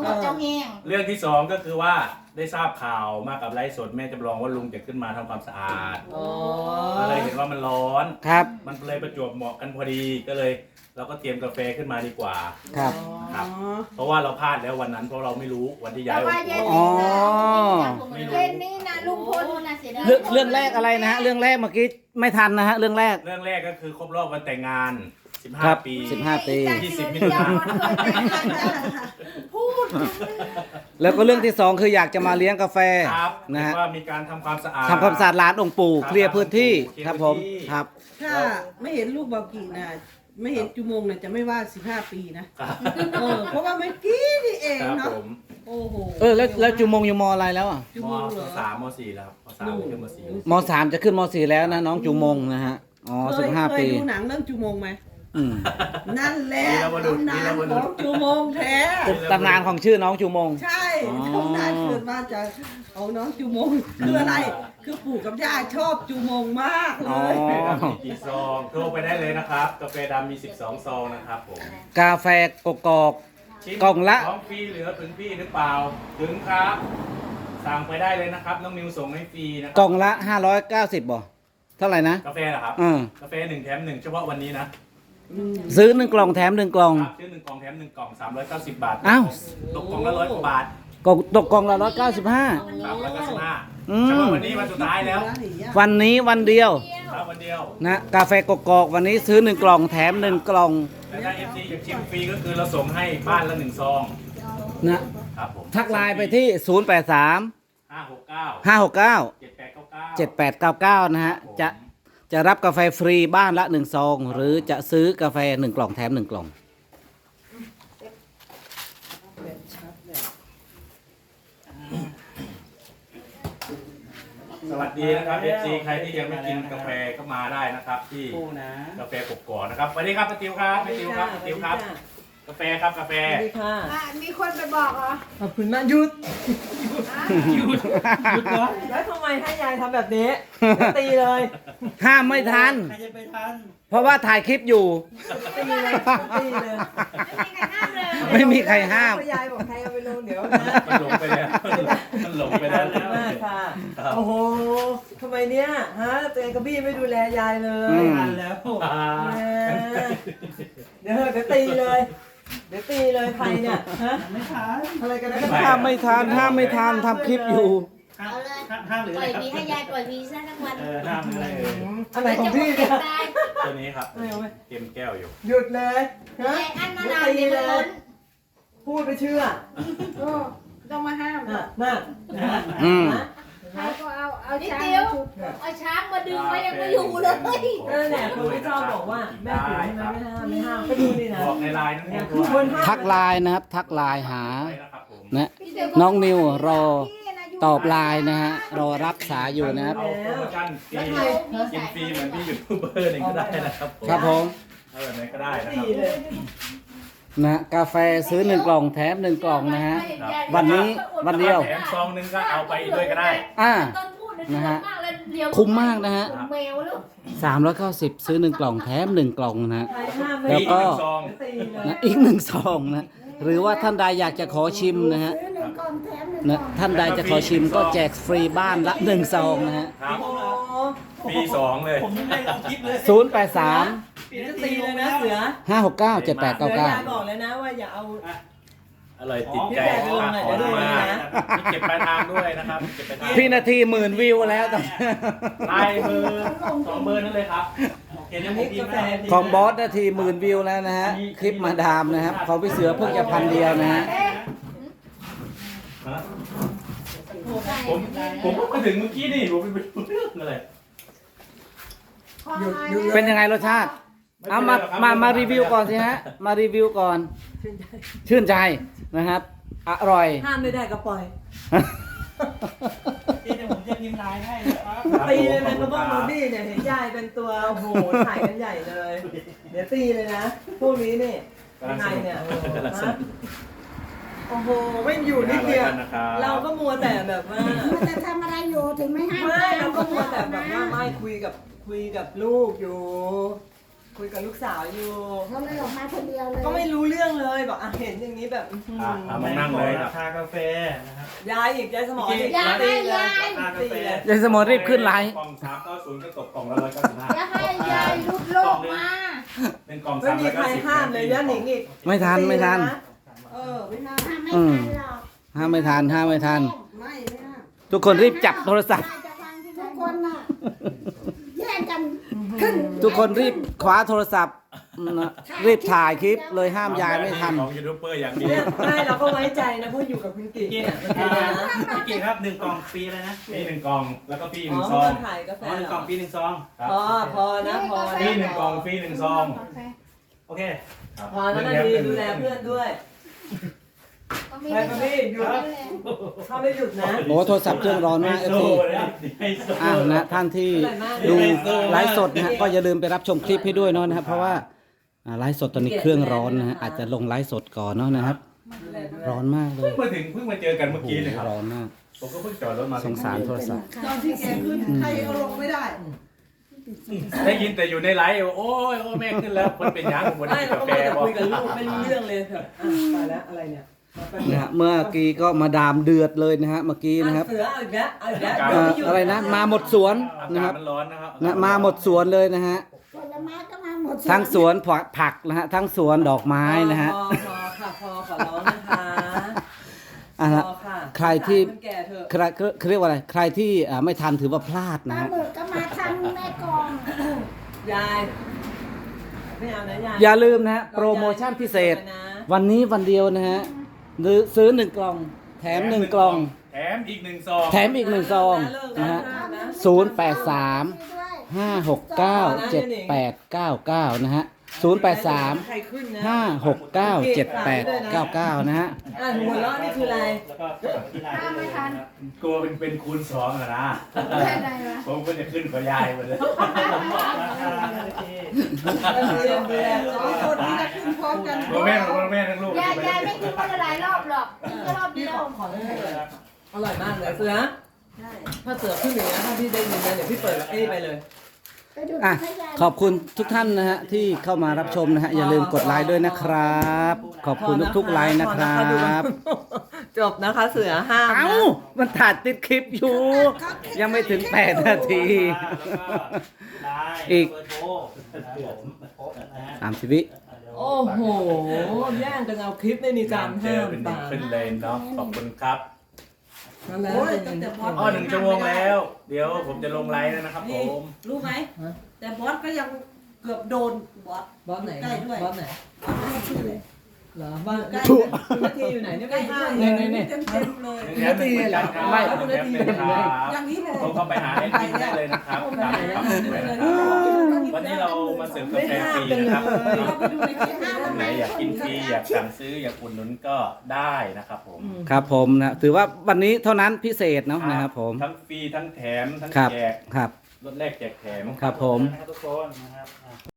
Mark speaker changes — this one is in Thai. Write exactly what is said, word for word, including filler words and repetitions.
Speaker 1: เจ้าแห้ง
Speaker 2: เรื่องที่สองก็คือว่าได้ทราบข่าวมากับไลฟ์สดแม่จำลองว่าลุงจะขึ้นมาทำความสะอาดก็เลยเห็นว่ามันร้อน
Speaker 3: ครับ
Speaker 2: มันเลยประจวบเหมาะกันพอดีก็เลยเราก็เตรียมกาแฟขึ้นมาดีกว่า
Speaker 3: ครับ
Speaker 2: ครับเพราะว่าเราพลาดแล้ววันนั้นเพราะเราไม่รู้วันที่ย้ายวัน
Speaker 3: อ๋อ
Speaker 1: เย็นนี้นะลุงพลนะเสียดาย
Speaker 3: เรื่องเรื่องแรกอะไรนะฮะเรื่องแรกเมื่อกี้ไม่ทันนะฮะเรื่องแรก
Speaker 2: เรื่องแรกก็คือครบรอบวันแต่งงานสิบ
Speaker 3: ค
Speaker 2: ห้า
Speaker 3: รับ
Speaker 2: ปี
Speaker 3: สิบห้าปี
Speaker 2: ยี่สิบมิถุนายน
Speaker 1: พูด
Speaker 3: แล้วก็เรื่องที่สองคืออยากจะมาเลี้ยงกาแฟ
Speaker 2: ครับ
Speaker 3: นะฮะ
Speaker 2: ว่ามีการทำความสะอาด
Speaker 3: ทำความสะอาดร้านองค์ปู่
Speaker 2: ครับ
Speaker 3: เคลียร์พื้นที่
Speaker 2: เคลียร์
Speaker 3: ครับผม
Speaker 2: พื้นที่
Speaker 3: ครับ
Speaker 4: ถ้าไม่เห็นลูกบากีนะไม่เห็นจุมงเนี่ยจะไม่ว่าสิบห้าปีนะครับ เออเพราะว่าเมื่อกี้นี่เอง
Speaker 2: ครับ
Speaker 4: เนาะ
Speaker 2: ผม
Speaker 4: โอ้โห
Speaker 3: เออแล้วแล้วจุมงอยู่มอะไรแล้วอ่ะ
Speaker 4: จุ
Speaker 2: ม
Speaker 4: มงเหรอ
Speaker 2: สามมสี่แล้วครับมสามขึ้นมสี่
Speaker 3: มสามจะขึ้นมสี่แล้วนะน้องจุมงนะฮะอ๋อ
Speaker 4: เค
Speaker 3: สิ
Speaker 4: ย
Speaker 3: บห้า
Speaker 4: เค
Speaker 3: ปี
Speaker 4: ยดูหนังเรื่องจุมงไหม
Speaker 3: อืม
Speaker 4: นั่นแหละตำนานของจุมงแท้
Speaker 3: ตำนานของชื่อน้องจุมง
Speaker 4: ใช่
Speaker 3: อ๋อ
Speaker 4: ตำนานเกิดมาจากของน้องจุมงคืออะไร คือปู่กับย่าชอบจุมงมากเล
Speaker 3: อ๋อ
Speaker 4: ย
Speaker 2: กาแฟดำมีกี่ซองโทรไปได้เลยนะครับกาแฟดำมีสิบสองซองนะครับผม
Speaker 3: กาแฟกกอก
Speaker 2: ชิ้น
Speaker 3: กล่องละ
Speaker 2: ของฟรีเหลือถึงพี่หรือเปล่าถึงครับสั่งไปได้เลยนะครับน้องนิวส่งให้ฟรีนะครั
Speaker 3: กล่องละห้าร้อยเก้าสิบบ่เท่าไหร่นะ
Speaker 2: กาแฟเหรอครับ
Speaker 3: อืม
Speaker 2: กาแฟหนึ่งแถมหนึ่งเฉพาะวันนี้นะ
Speaker 3: ซื้อหนึ่งกล่องแถมหนึ่งกล่อง
Speaker 2: ครับซื้อหนึ่งกล่องแถมหนึ่งกล่องสามร้อยเก้าสิบบาท
Speaker 3: อ้าว
Speaker 2: ตกกล่องละร้อยกว่าบาท
Speaker 3: กล่องตกกล่องละร้อยเก้าสิบห้า
Speaker 2: สามร้อยเก้าสิบห้า
Speaker 3: อืม
Speaker 2: เฉพาะวันนี้วันสุดท้ายแล้ว
Speaker 3: วันนี้วันเดียว
Speaker 2: ครับวันเดียว
Speaker 3: นะกาแฟกกอกวันนี้ซื้อหนึ่งกล่องแถมหนึ่งกล่อง
Speaker 2: แต่ถ้าเอฟซีอยากชิมฟรีก็คือเราส่งให้บ้านละหนึ่งซอง
Speaker 3: นะครับ
Speaker 2: ผม
Speaker 3: ทักไลน์ไปที่ ศูนย์ แปด สาม
Speaker 2: ห้าหกเก้า
Speaker 3: ห้า หก เก้า
Speaker 2: เจ็ดแปดเก้าเก้า
Speaker 3: เจ็ดแปดเก้าเก้านะฮะจะจะรับกาแฟฟรีบ้านละหนึ่งซองหรือจะซื้อกาแฟหนึ่งกล่องแถมหนึ่งกล่อง
Speaker 2: สวัสดีนะครับเอฟซีใครที่ยังไม่กินกาแฟก็มาได้นะครับ ที่กาแฟกกอกนะครับสวัสดีครับป้าติวครับป้าติวครับป้าติวครับ กาแฟครับกาแฟ
Speaker 4: สวัสดีค่ะ
Speaker 1: อ่ะมีคนไปบอกเหรอ
Speaker 4: ขอบคุณมากหยุด
Speaker 2: หยุดหยุดก่อน
Speaker 4: แล้วทำไมให้ยายทำแบบนี้ ตีเลย
Speaker 3: ห้ามไม่ทัน
Speaker 5: ใครจะไปทัน
Speaker 3: เพราะว่าถ่ายคลิปอยู่
Speaker 4: ตีเลยตีเลย
Speaker 1: ไม่มีใครห้ามเลย
Speaker 3: ไม่มีใครห้าม
Speaker 4: ยายบอกใครเอาไปลงเดี๋ยวนะ
Speaker 2: มันหลงไปแล้วมันหลงไปแล้ว
Speaker 4: มากค่ะ โอ้โหทำไมเนี้ยฮะตัวเองกับบี้ไม่ดูแลยายเล
Speaker 3: อื
Speaker 4: ย
Speaker 3: ม
Speaker 5: ทันแล้ว
Speaker 2: อ่า
Speaker 4: แหมเดี๋ยวเถอะเดี๋ยวตีเลย เดี๋ยวตีเลยใครเนี่ยฮะ
Speaker 5: ไม่ทัน
Speaker 4: อะไรกันนะ
Speaker 3: ห้ามไม่ทันห้ามไม่ทันทำคลิปอยู่
Speaker 5: ห้าม
Speaker 1: เอาเลย
Speaker 5: ห้ามหรือ
Speaker 1: ป
Speaker 5: อะ
Speaker 1: ล่
Speaker 5: ไร
Speaker 1: อย
Speaker 5: ครับ
Speaker 1: พีให้ยายปล่อยพีซะทั้งวัน
Speaker 5: เออห้ามอะไรเอ่ย
Speaker 4: อะไรของพี่เนี่ย
Speaker 1: ตาย
Speaker 2: ตัวนี้ครับ
Speaker 4: ไม่เอาไหม
Speaker 2: เตรียมแก้วอยู่
Speaker 4: หยุดเลยฮะ
Speaker 1: ยายอันมานานเดี๋ยวมันล้น
Speaker 4: พูดไปเชื่อ
Speaker 1: โอ้ต้องมาห้าม
Speaker 4: น่ะน่ะ
Speaker 3: อืม
Speaker 1: ใครก็เอาเอาช้างมาชุบเอาช้างมาดึงไว้ยังไม่อยู่เลย
Speaker 4: เออเนี่ยคนที่ชอบบอกว่าแม่ปู่ใช่ไหมไม่ห้ามไม่ห้ามก็ดูนี่นะ
Speaker 2: บอกในไลน์นั่นเอ
Speaker 4: เนี่ย
Speaker 2: ง
Speaker 4: คือคนห้าม
Speaker 3: ทักไลน์นะครับ ทักไลน์หา
Speaker 2: ไปนะครับผม
Speaker 3: นะน้องนิวรอตอบไลน์นะฮะรอรับสายอยู่นะครับ
Speaker 2: เอาโปรโมชั่นฟรีกินฟรีเหมือนพี่ยูทูบเบอร์หนึ่งก็ได้นะครับผม
Speaker 3: ครับผม
Speaker 2: เอาแบบไหนก็ได้นะค
Speaker 4: ตี
Speaker 2: รับ
Speaker 4: เลย
Speaker 3: นะกาแฟซื้อหนึ่งกล่องแถมหนึ่งกล่องนะฮะ วันนี้วันเดียว
Speaker 2: แถมซองหนึงก็เอาไปด้วยก็ได้
Speaker 3: อ่า
Speaker 1: ต้นพูด
Speaker 3: นะฮะ
Speaker 1: มากเลยเดี๋ยว
Speaker 3: คุ้มมากนะฮะ
Speaker 1: แมวลูก
Speaker 3: สามร้อยเก้าสิบซื้อหนึ่งกล่องแถมหนึ่งกล่องนะฮะ
Speaker 4: ใครห้ามไม่
Speaker 3: แล้วก็
Speaker 2: มีหนึ่งซอง
Speaker 4: ตีเลย
Speaker 3: นะอีกหนึ่งซองนะหรือว่าท่านใดอยากจะขอชิมนะฮะนะท่านใดจะขอชิมก็แจกฟรีบ้านละหนึ่งซองนะฮะ
Speaker 2: ครับ
Speaker 4: โอ้โห
Speaker 2: ปีสองเลย
Speaker 5: ผมยังไม่ลองคลิปเลย
Speaker 3: ศูนย์แปดสาม
Speaker 4: เดี๋ยวจะตีเลยนะเสือ
Speaker 3: ห้าหกเก้าเจ็ดแปด
Speaker 4: เสื
Speaker 3: เก้า
Speaker 4: อ
Speaker 3: เก้า
Speaker 4: ยายบอกเลยนะว่าอย่าเอา
Speaker 2: อร่อยติดใจ
Speaker 4: อ๋อพี่แจกลงหน่อย
Speaker 2: ขอบ
Speaker 4: เดี๋ยวดู
Speaker 2: คุณมาก
Speaker 4: นะ
Speaker 2: มีเก็บปลายทางด้วยนะครับเก็บปลายทาง
Speaker 3: พี่นาทีหมื่นวิวแล้วตอน
Speaker 2: ลายเบอร์สองเบอร์นั่นเลยครับ
Speaker 5: โอเคเดี๋ยวผมพิมพ์ให้
Speaker 3: ของบอสนาทีหมื่นวิวแล้วนะฮะคลิปมาดามนะครับของพี่เสือเพิ่งจะพันเดียวนะฮะ
Speaker 2: ฮะผมผมก็มาถึงเมื่อกี้นี่ผมไปดูเรื่องอะไร
Speaker 3: เป็นยังไงรสชาติเอามามามารีวิวก่อนสิฮะมารีวิวก่อน ชื่นใจนะครับอร่อย
Speaker 4: ห้ามไม่ได้ก็ปล่อย
Speaker 5: เดี๋ยวผมจะพิมพ์ไลน์ให้นะครับ
Speaker 4: ตีเลยนะกระบอกโรบี้เนี่ยเห็นยายเป็นตัวโอ้โหถ่ายกันใหญ่เลย เดี๋ยวตีเลยนะพวกนี้นี่ยังไงเนี่ยฮะโอ้โหไม่อยู่นิดเดียวเราก็มัวแต่แบบว่า
Speaker 1: มันจะทำอะไรอยู่ถึงไม่ห้าม
Speaker 4: ไม่เราก็มัวแต่แบบว่าไม่คุยกับคุยกับลูกอยู่คุยกับลูกสาวอยู่
Speaker 1: เขาเลยออกมาคนเดียวเลย
Speaker 4: ก็ไม่รู้เรื่องเลยบอกอ่ะเห็นอย่างนี้แบบอื้อหือ
Speaker 2: อ่ะเอามานั่งเลยค
Speaker 5: รา
Speaker 2: รับ
Speaker 5: คากาแฟนะครับ
Speaker 4: ยายอีกยายสมองอีก
Speaker 1: อย่าให้ยาย
Speaker 5: ราคากาแฟ
Speaker 3: ยายสมอรีบขึ้นไลน์
Speaker 2: กล่องสามเก้าศูนย์ก็ตกกล่องละร้อยเก้าสิบห้า
Speaker 1: อย่าให้ยายลุดโลกมา
Speaker 2: เป็นกล่อง
Speaker 4: ไม่
Speaker 2: สาม
Speaker 4: มี
Speaker 2: ร้อย
Speaker 4: ใคร
Speaker 2: เก้าสิบ
Speaker 4: ห้ามเลยย่าหนิงอีก
Speaker 3: ไม่ทันไม่ทัน
Speaker 4: เออไม่น่า
Speaker 1: ถ้าไม่
Speaker 3: อืม
Speaker 1: ทันหรอก
Speaker 3: ห้ามไม่ทันห้ามไม่ทัน
Speaker 4: ไม่ไม่น่า
Speaker 3: ทุกคนรีบจับโทรศัพท์
Speaker 1: จะฟังที่ทุกคนน่ะแย่งกันขึ้น
Speaker 3: ทุกคนรีบคว้าโทรศัพท์นะรีบถ่ายคลิปเลยห้ามยายไม่ทัน
Speaker 2: ของยูทูบเบอร์อย่างดี
Speaker 4: เนี่ยไม่เราก็ไว้ใจนะเพราะอยู่กับคุณกิ๊ก
Speaker 5: พี่
Speaker 4: เนี่ยมัน
Speaker 5: พี่
Speaker 4: เป็นนะ
Speaker 5: กิ๊กครับหนึ่งกล่องฟรีเลยนะ
Speaker 2: มีหนึ่งกล่องแล้วก็ฟรีห
Speaker 4: อ๋
Speaker 2: นึ่
Speaker 4: อง
Speaker 2: ซอง
Speaker 4: มาขายกาแฟ
Speaker 5: อ๋อหนึ่ง
Speaker 4: เห
Speaker 5: ก
Speaker 4: ร
Speaker 5: ล่
Speaker 4: อ
Speaker 5: องฟรีหนึ่งซอง
Speaker 2: ครับ
Speaker 4: พอพอนะพอ
Speaker 2: ฟรีหนึ่งกล่องฟรีหนึ่งซอง
Speaker 5: โอเค
Speaker 2: ครับ
Speaker 4: พอแล้วนะดีดูแลเพื่อนด้วยไปมาพี่หยุดถ้าไม่หยุดนะ
Speaker 3: โอ้โทรศัพท์เครื่องร้อนมากเอฟซี
Speaker 2: ไฮโซ
Speaker 3: อ่านะท่านที่ดูไลฟ์สดนะฮะก็อย่าลืมไปรับชมคลิปให้ด้วยเนาะนะครับเพราะว่าอ่าไลฟ์สดตอนนี้เครื่องร้อนนะฮะอาจจะลงไลฟ์สดก่อนเนาะนะครับ ร้อนมากเล
Speaker 2: เพิ่
Speaker 3: ย
Speaker 2: งมาถึงเพิ่งมาเจอกันเมื่อกี้เลยครับ
Speaker 3: ร้อนมาก
Speaker 2: ผมก็เพิ่งจอดรถมา
Speaker 3: สงสารโทรศัพท์
Speaker 4: ตอนที่แกขึ้นใครเอาลงไม่ได้
Speaker 2: ได้ยินแต่อยู่ในไลฟ์โอ้ยโอ้ยแม่ขึ้นแล้วคนเป็นยังคน
Speaker 4: ไม่
Speaker 2: กิน
Speaker 4: เรา
Speaker 2: กา
Speaker 4: ก็
Speaker 2: แฟ
Speaker 4: มา
Speaker 2: บอก
Speaker 4: คุยกับลูกไม่รู้เรื่องเลยแบบอ่ะตายแล้วอะไรเนี่ย
Speaker 3: นะฮะเมื่อกี้ก็มาดามเดือดเลยนะฮะเมื่อกี้นะครับ
Speaker 4: เสือเอาอีกแล้วเอาอีกแล้ว
Speaker 3: เอ่ออะไรนะมาหมดสวน
Speaker 2: อา
Speaker 3: นะค
Speaker 2: กา
Speaker 3: รั
Speaker 2: ศ
Speaker 3: บ
Speaker 2: มันร้อนนะครับ
Speaker 3: นะมาหมดสวนเลยนะฮะ
Speaker 1: ผลไม้ก็มาหมด
Speaker 3: ทั้งสวนผักนะฮะทั้งสวนดอกไม้นะฮะ
Speaker 4: พอพอค่ะพอขอร้องนะคะ
Speaker 3: อ่ะฮะ
Speaker 4: พอค่ะ
Speaker 3: ใครที่
Speaker 4: สงสาคนแก่เถอะ
Speaker 3: ใครเขาเรียกว่าอะไรใครที่อ่าไม่ทันถือว่าพลาด
Speaker 1: ป
Speaker 3: นะ
Speaker 1: ลา
Speaker 3: ฮะ
Speaker 1: หมึกก็มาทำแม่กอง
Speaker 4: ยายไม่เอานะยาย
Speaker 3: อย่าลืมนะฮะโปรโมชั่นพิเศษ
Speaker 4: นะ
Speaker 3: วันนี้วันเดียวนะฮะหรือซื้อหนึ่งกล่อง แถมหนึ่งกล่อง
Speaker 2: แถมอีกหนึ่งซอง
Speaker 3: แถมอีกหนึ่งซอง
Speaker 4: เลิก
Speaker 3: นะ
Speaker 4: แล้ว
Speaker 3: ฮะ
Speaker 4: เลิกแล้ว
Speaker 3: ศูนย์แปดสาม
Speaker 1: ด้วย
Speaker 3: ห้าหกเก้าเจ็ดแปดเก้าเก้านะฮะศูนย์แปดสาม
Speaker 4: ใครขึ้นนะ
Speaker 3: ห้าหกเก้าเจ็ดแปดเก้าเก้านะฮะ
Speaker 4: อ่ะหัวเราะนี่คืออะไร
Speaker 5: แล้วก็ที่ไลน์
Speaker 1: ถ้าไม่ทัน
Speaker 2: กลัวเป็นเป็นคูณสองอะนะ
Speaker 1: แค่ไหนวะ
Speaker 2: ผมก็จะขึ้นกว่ายายหมดเลย
Speaker 5: ผมบอกราคาโอเค
Speaker 4: เรียนเรียนสองคนนี้จะขึ้นพร้อมกัน
Speaker 2: พ่อแม่พ่อแม่ทั้งลูก
Speaker 1: ยายยายไม่กินคนละหลายรอบหรอกกินแค่รอบเดียว
Speaker 4: ขอเลยอร่อยมากเลยเสือถ้าเสือขึ้นอย่างนี้ถ้าพี่ได้ยินนะเดี๋ยวพี่เปิดไอ้นี่ไปเลย
Speaker 1: ไปดู
Speaker 3: อ่ะ
Speaker 1: ให้ยาย
Speaker 3: ขอบคุณทุกท่านนะฮะที่เข้ามารับชมนะฮะอย่าลืมกดไลค์ด้วยนะครับ ขอบคุณทุกๆไลค์นะครับ
Speaker 4: จบนะคะเสือห้าม
Speaker 3: เอ้ามันถ่ายติดคลิปอยู่ ยังไม่ถึงแปดนาที อีก สามสิบวิ
Speaker 4: โอ้โหแย่งกันเอาคลิปไม่มีการ
Speaker 2: เจ
Speaker 4: ห้า
Speaker 2: อ
Speaker 4: ม
Speaker 2: เป็น
Speaker 4: ตา
Speaker 2: ขึ้นเลนเนาะขอบคุณครับ
Speaker 4: นั่นแหละ
Speaker 2: อ๋อหนึ่งชั่วโมงแล้ว เดี๋ยวผมจะลงไลน์แล้วนะครับผม
Speaker 6: รู้ไหม แต่บอสก็ยังเกือบโดนบอส
Speaker 4: บอสไหน
Speaker 6: ใกล้ด้วย
Speaker 4: บอสไหน
Speaker 6: ชื่อเลย
Speaker 4: เหรอบ้าน
Speaker 6: ใกล้
Speaker 4: คุณนาทีอยู่ไหนเนี่ย
Speaker 6: ใกล้
Speaker 4: ไม่ห้า
Speaker 6: ด้วย
Speaker 4: มเลยเนี่ย
Speaker 6: เต็มเต็มๆเลย
Speaker 2: แถมหนึ่งเหมือนกันครับ
Speaker 3: ไม่
Speaker 2: แถมหนึ่งครับ
Speaker 6: อย่างนี้เลย
Speaker 2: ผมเข้าไปหาให้กินได้เลยนะครับตามครับวันนี้เรามาเสิร์ฟกาแฟฟรีนะครับ
Speaker 6: เราไปดูในคลิปนะ
Speaker 2: ท่านไหนอยากกินฟรีอยากสั่งซื้ออยากอุดหนุนก็ได้นะครับผม
Speaker 3: ครับผมนะถือว่าวันนี้เท่านั้นพิเศษเนาะนะครับผม
Speaker 2: ทั้งฟรีทั้งแถมทั้ง
Speaker 3: ครับ
Speaker 2: แจก
Speaker 3: ครับ
Speaker 2: รถแรกแจกแถม
Speaker 3: ครับผม
Speaker 5: ทุกคนนะครับ